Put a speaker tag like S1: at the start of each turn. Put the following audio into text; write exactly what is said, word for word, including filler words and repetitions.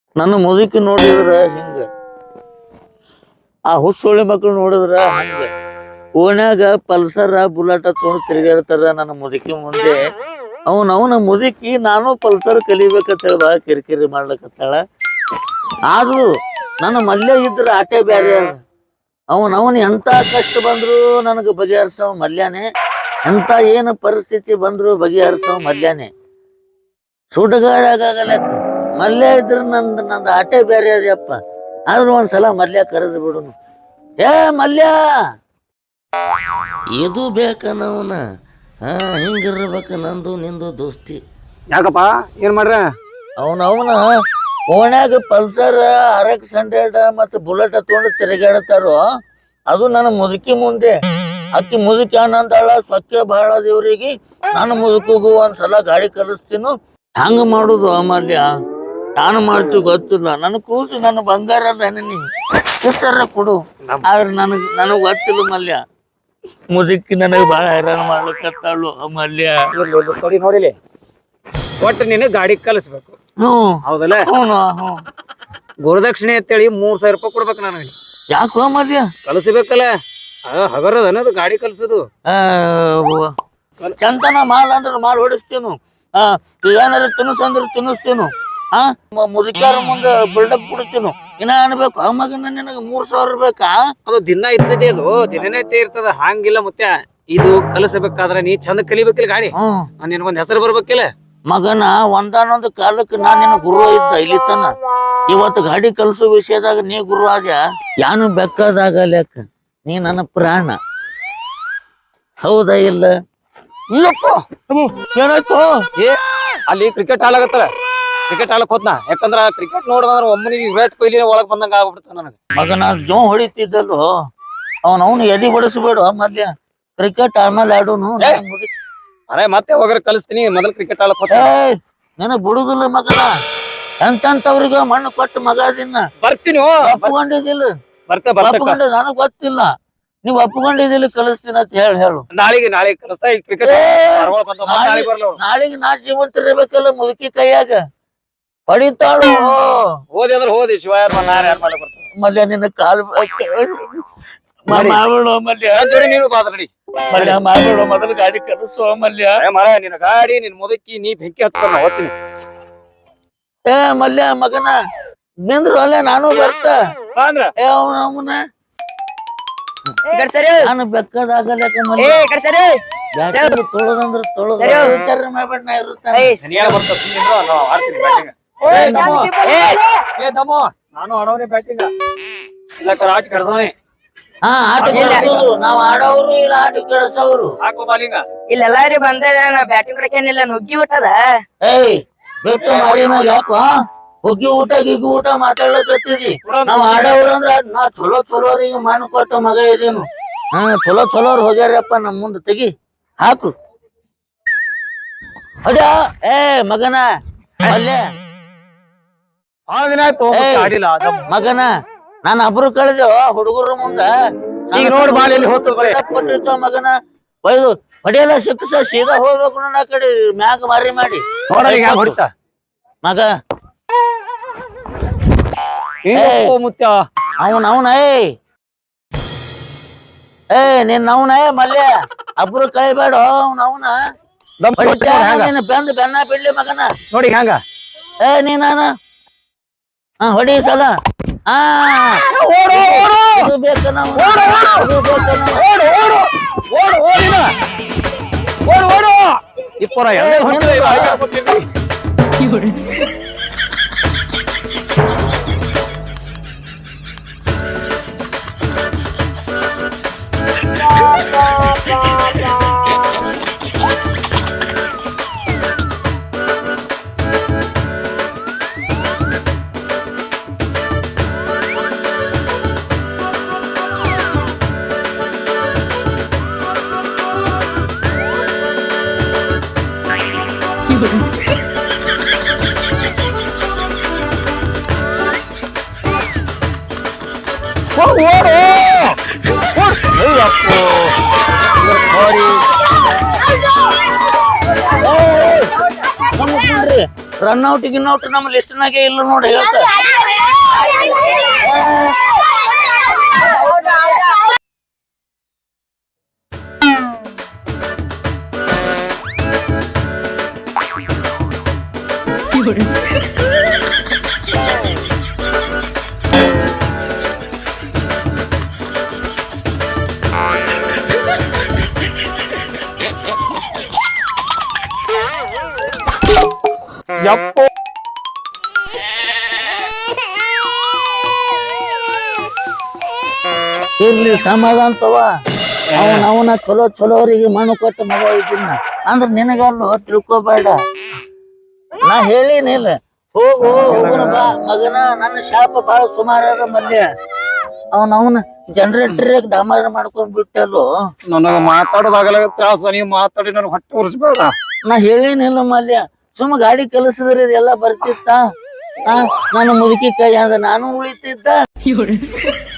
S1: ನನ್ನ ಮುದುಕಿ ನೋಡಿದ್ರ ಹಿಂಗ, ಆ ಹುස්සೊಳ್ಳಿ ಮಕ್ಳು ನೋಡಿದ್ರ ಹಂಗ, ಓಣ್ಯಾಗ ಪಲ್ಸರ ಬುಲಾಟ ತೊಗೊಂಡು ತಿರುಗಾಡ್ತಾರ ನನ್ನ ಮುದುಕಿ ಮುಂದೆ. ಅವನ ಅವನ ಮುದುಕಿ ನಾನು ಪಲ್ಸರ್ ಕಲಿಬೇಕಂತ ಹೇಳಿ ಭಾಳ ಕಿರಿಕಿರಿ ಮಾಡ್ಲಕತ್ತಾಳ. ಆದ್ರೂ ನನ್ನ ಮಲ್ಯ ಇದ್ರ ಆಟೆ ಬ್ಯಾರೆ. ಅವನ್ ಅವನ್ ಎಂತ ಕಷ್ಟ ಬಂದ್ರು ನನಗ ಬಗೆಹರಿಸವ ಮಲ್ಯಾನೆ, ಎಂತ ಏನು ಪರಿಸ್ಥಿತಿ ಬಂದ್ರು ಬಗೆಹರಿಸವ ಮಲ್ಯಾನೆ. ಸುಡುಗಾಡಾಗಲಕ್ಕ ಮಲ್ಯ ಇದ್ರ ನಂದ್ ನಂದು ಆಟೆ ಬೇರೆ ಅದಪ್ಪ. ಆದ್ರೂ ಒಂದ್ಸಲ ಮಲ್ಯ ಕರೆದು ಬಿಡುನು. ಏ ಮಲ್ಯ, ಇದು ಬೇಕನವನ. ಹಾ, ಹಿಂಗಿರ್ಬೇಕ ನಂದು ನಿಂದು ದೋಸ್ತಿ.
S2: ಯಾಕಪ್ಪ ಏನ್ ಮಾಡ್ರ?
S1: ಅವನ ಅವನ ಓಣ್ಯಾಗ ಪಲ್ಸರ್ ಆರ್ ಎಕ್ಸ್ ಹಂಡ್ರೆಡ್ ಮತ್ತ ಬುಲೆಟ್ ತಗೊಂಡು ತಿರುಗಾಡ್ತಾರೋ ಅದು ನನ್ನ ಮುದುಕಿ ಮುಂದೆ. ಅಕ್ಕಿ ಮುದುಕಿ ಅನ್ನಂತಾಳ ಸ್ವಚ್ಛ ಬಹಳ ದೇವ್ರಿಗೆ. ನಾನು ಮುದುಕಿಗೂ ಒಂದ್ಸಲ ಗಾಡಿ ಕಲಿಸ್ತೀನು. ಹಂಗ ಮಾಡುದು ಅಮಲ್ಯ, ನಾನು ಮಾಡ್ತೀವಿ ಗೊತ್ತಿಲ್ಲ. ನನ್ ಕೂಸು ನನ್ನ ಬಂಗಾರ ಅದ ನೀ ಹೆಸರ ಕೊಡು. ಆದ್ರೆ ನನಗ್ ನನಗ್ ಗೊತ್ತಿಲ್ಲ ಮಲ್ಯ. ಮುದುಕಿ ನನಗ್ ಬಾಳ ಹೈರಾಣ ಮಾಡ್ಲಿಕ್ಕತ್ತಾಳು ಅಮಲ್ಯ.
S2: ನೋಡಿ ನೋಡಿಲಿ, ಒಟ್ಟು ನೀನು ಗಾಡಿ ಕಲಿಸ್ಬೇಕು.
S1: ಹ್ಮ್
S2: ಹೌದಲ್ಲ?
S1: ಹ್ಞೂ ಹ್ಞೂ.
S2: ಗುರುದಕ್ಷಿಣೆ ಅಂತೇಳಿ ಮೂರ್ ಸಾವಿರ ರೂಪಾಯಿ ಕೊಡ್ಬೇಕು ನನಗೆ.
S1: ಯಾಕೋ ಮಲ್ಯ?
S2: ಕಲಿಸ್ಬೇಕಲ್ಲ, ಹಗರದ ಅನ್ನೋದು ಗಾಡಿ ಕಲ್ಸೋದು.
S1: ಚಂತನ ಮಾಲ್ ಅಂದ್ರೆ ಮಾಲ್ ಹೊಡಿಸ್ತೀನು. ಆ ಏನಾರ ತಿನ್ನಿಸಂದ್ರೆ ತಿನ್ನಿಸ್ತೀನು. ಆ ಮುದುಕ್ಯಾರ ಮುಂದೆ ಬಿಲ್ಡಪ್ ಕೊಡ್ತೀನು. ಇನ್ನ ಅನ್ಬೇಕು ಆ ಮಗನ ನಿನಗೆ ಮೂರ್ ಸಾವಿರ ಬೇಕಾ?
S2: ಅದು ದಿನ ಇರ್ತದೆ, ಅದು ದಿನನೇ ಇರ್ತದ. ಹಂಗಿಲ್ಲ ಮತ್ತೆ ಇದು ಕಲಿಸಬೇಕಾದ್ರೆ ನೀ ಚಂದ ಕಲಿಬೇಕಿಲ್ಲ ಗಾಡಿ.
S1: ಹ್ಮ್,
S2: ನಿನಗೊಂದ್ ಹೆಸರು ಬರ್ಬೇಕಿಲ್ಲ
S1: ಮಗನ. ಒಂದಾನೊಂದು ಕಾಲಕ್ಕೆ ನಾ ನಿನ್ನ ಗುರು ಇದ್ದ ಇಲ್ಲಿ ತನ. ಇವತ್ತು ಗಾಡಿ ಕಲ್ಸೋ ವಿಷಯದಾಗ ನೀ ಗುರು ಆದ. ಯಾನು ಬೆಕ್ಕದಾಗಲ್ಯಾಕ ನೀ ನನ್ನ ಪ್ರಾಣ. ಹೌದಾ ಇಲ್ಲ?
S2: ಇಲ್ಲಪ್ಪ,
S1: ಏನಾಯ್ತು?
S2: ಏ ಅಲ್ಲಿ ಕ್ರಿಕೆಟ್ ಆಡಾಕತ್ತಾರ, ಕ್ರಿಕೆಟ್ ಆಡಕ್ ಹೋತ್ನಾ. ಯಾಕಂದ್ರ ಕ್ರಿಕೆಟ್ ನೋಡಿದ್ರ ಒಮ್ಮನಿಗೆ ವಿರಾಟ್ ಕೊಹ್ಲಿ ಒಳಗ್ ಬಂದಂಗ ಆಗ್ಬಿಡ್ತ ನನಗ.
S1: ಮಗನ ಜೋ ಹೊಡಿತಿದ್ದಲ್ವ ಅವನ್ ಅವನು ಎದಿ ಬಡಿಸ್ಬೇಡ ಮಲ್ಯ. ಕ್ರಿಕೆಟ್ ಆಮೇಲೆ ಆಡೋನು.
S2: ಅರೆ ಮತ್ತೆ ಹೋಗ್ರ ಕಲಿಸ್ತೀನಿ, ಮೊದಲ್ ಕ್ರಿಕೆಟ್ ಆಡಕ್ ಹೋತ.
S1: ನನಗ್ ಬಿಡುದಿಲ್ಲ ಮಗನ. ಎಂತವ್ರಿಗೆ ಮಣ್ಣು ಕೊಟ್ಟು ಮಗ ದಿನ
S2: ಬರ್ತೀನಿ.
S1: ಒಪ್ಕೊಂಡಿದ್ದಿಲ್ಲ?
S2: ಬರ್ತೆ
S1: ಒಪ್ಕೊಂಡ ನನಗ್ ಗೊತ್ತಿಲ್ಲ. ನೀವ್ ಒಪ್ಕೊಂಡಿದ್ದಿಲ್ಲ ಕಲಿಸ್ತೀನಿ ಅಂತ ಹೇಳಿ ಹೇಳು.
S2: ನಾಳೆಗೆ ನಾಳೆ ಕಲಿಸ್ತಾ ಕ್ರಿಕೆಟ್.
S1: ನಾಳೆಗೆ ನಾ ಜೀವಂತ ಇರ್ಬೇಕಲ್ಲ ಮುದುಕಿ ಕೈಯಾಗ. ಹೊಡಿತಾಳು.
S2: ಹೋದಿ ಅಂದ್ರೆ ಹೋದಿ, ಶಿವ ಯಾರು ಯಾರು ಯಾರು ಮಾಡಕ್ ಬರ್ತಾರೆ.
S1: ಮಲ್ಯ ನಿನ್ನ ಕಾಲ್ ಮಾಡ್ಬೇಡ ಮಲ್ಯ.
S2: ನೀನು ಬಾದ್ರ ನಡಿ
S1: ಮಲ್ಯ, ಮಾಡ್ಬೇಡ. ಮೊದಲು ಗಾಡಿ ಕಲಿಸುವ ಮಲ್ಯ.
S2: ಮರ ನಿನ್ನ ಗಾಡಿ ನಿನ್ ಮುದುಕಿ ನೀ ಬೆಂಕಿ ಹಚ್ಕೊಂಡ ಹೋಗ್ತೀನಿ.
S1: ಏ ಮಲ್ಯ ಮಗನ ನಿಂದ್ರು ಅಲ್ಲೇ ನಾನು ಬರ್ತ.
S2: ಅಂದ್ರ
S1: ಏ ಅವನ ಅವನ ನಾನು ಬೆಕ್ಕದಾಗಲ್ಲ ಮಲ್ಯ. ತೊಳದಂದ್ರ ತೊಳದ ವಿಚಾರ ಮಾಡ್ಬೇಡ. ನಾ ಇರುತ್ತಾನೆ.
S2: ನಾನು ಆಡೋನೇ ಬ್ಯಾಟಿಂಗ್ ಇಲ್ಲ ಆಟ ಕೆಡ್ಸೋನೆ.
S1: ಹಾ, ಆಟ ಕೆಡ್ಸೋದು ನಾವ್ ಆಡೋರು ಇಲ್ಲ ಆಟ ಕೆಡ್ಸೋರು.
S2: ಹಾಕೋ ಬಾಲಿಂಗ
S3: ಇಲ್ಲೆಲ್ಲಾರಿ ಬಂದ ಬ್ಯಾಟಿಂಗ್ ಕಡೆಕೇನಿಲ್ಲ, ನುಗ್ಗಿ ಊಟದ.
S1: ಏಯ್ ಬಿಟ್ಟು ಮಾರಿ ಮ್ಯಾಗ ಯಾಕೋ ಹೊಗ್ಗಿ ಊಟ ಗಿಗ್ಗಿ ಊಟ ಮಾತಾಡ್ಲಕತ್ತಿದಿ. ನಾವ್ ಆಡೋರು ಅಂದ್ರ ನಾ ಚಲೋ ಚಲೋರಿಗೆ ಮಣ್ಣು ಕೊಟ್ಟ ಮಗ ಇದೇನು. ಹಾ, ಚಲೋ ಚಲೋರ್ ಹೋಗ್ಯಾರಪ್ಪ ನಮ್ ಮುಂದೆ. ತೆಗಿ ಹಾಕು ಅಡ. ಏ ಮಗನ ಅಲ್ಲೇ
S2: ಬಹಳ ದಿನ ಆಯ್ತು ಆಡಿಲ್ಲ
S1: ಮಗನ. ನಾನು ಅಬ್ರು ಕಳೆದೇವ ಹುಡುಗರ ಮುಂದ.
S2: ಈಗ ನೋಡ್ ಬಾಲಿ ಹೋತು
S1: ಕೊಟ್ಟಿರ್ತಾವ ಮಗನ. ಒಯ್ದು ಹೊಡಿಯಲ್ಲ ಶಿಕ್ಷ ಸೀದಾ ಹೋಗ್ಬೇಕು. ನನ್ನ ಕಡೆ ಮ್ಯಾಗ ಮಾರಿ ಮಾಡಿ
S2: ಹೊಡಿತಾ
S1: ಮಗ.
S2: ಮುತ್ಯ
S1: ಅವನ್ ಅವನ ಏಯ್ ಏ ನಿನ್ ಅವನ ಮಲ್ಯ. ಅಬ್ರು ಕಳಿಬೇಡ ಅವ್ನ ಅವನ. ಬೆಂದ್ ಬೆನ್ನ ಬಿಡ್ಲಿ ಮಗನ.
S2: ನೋಡಿ ಹಂಗ.
S1: ಏ ನೀನ ಹಾ ಹೊಡಿ ಸಲ. ಹಾ, ಇದು ಬೇಕ ನಾವು.
S2: ಇಪ್ಪರ
S1: ರನ್ ಔಟ್ ಗಿನ್ ಔಟ್ ನಮ್ಮ ಲಿಸ್ಟ್ನಾಗೆ ಇಲ್ಲ ನೋಡಿ ಹೇಳ್ತ
S2: ಯಪ್ಪ
S1: ಇರ್ಲಿ ಸಮಾಧಾನ ತವ ಅವನ ಅವನ ಚಲೋ ಚಲೋರಿಗೆ ಮಣ್ಣು ಕೊಟ್ಟ ಮಗ ಇದ್ದೀನ ಅಂದ್ರ ನಿನಗಲ್ಲೋ ತಿಳ್ಕೊಬೇಡ ನಾ ಹೇಳಿನಿಲ್ಲ ಹೋಗು ಹೋಗುನ ಬಾ ಮಗನ ನನ್ನ ಶಾಪ ಬಾಳ ಸುಮಾರ ಅದ ಮಲ್ಯ ಅವನ ಅವನ ಜನರೇಟರ್ ಡಮಾರ ಮಾಡ್ಕೊಂಡ್ ಬಿಟ್ಟಲ್ಲೋ
S2: ನನಗ ಮಾತಾಡೋದಾಗಲ್ಲ ತ್ರಾಸ ನೀವು ಮಾತಾಡಿ ನನಗೆ ಹೊಟ್ಟೆ ಉರ್ಸ್ಬೇಡ.
S1: ನಾ ಹೇಳಿನಿಲ್ಲ ಮಲ್ಯ ಸುಮ್ಮ ಗಾಡಿ ಕಲಿಸಿದ್ರೆ ಇದೆಲ್ಲ ಬರ್ತಿತ್ತ ನಾನು ಮುದುಕಿ ಕೈ ಅಂದ ನಾನು ಉಳಿತಿದ್ದ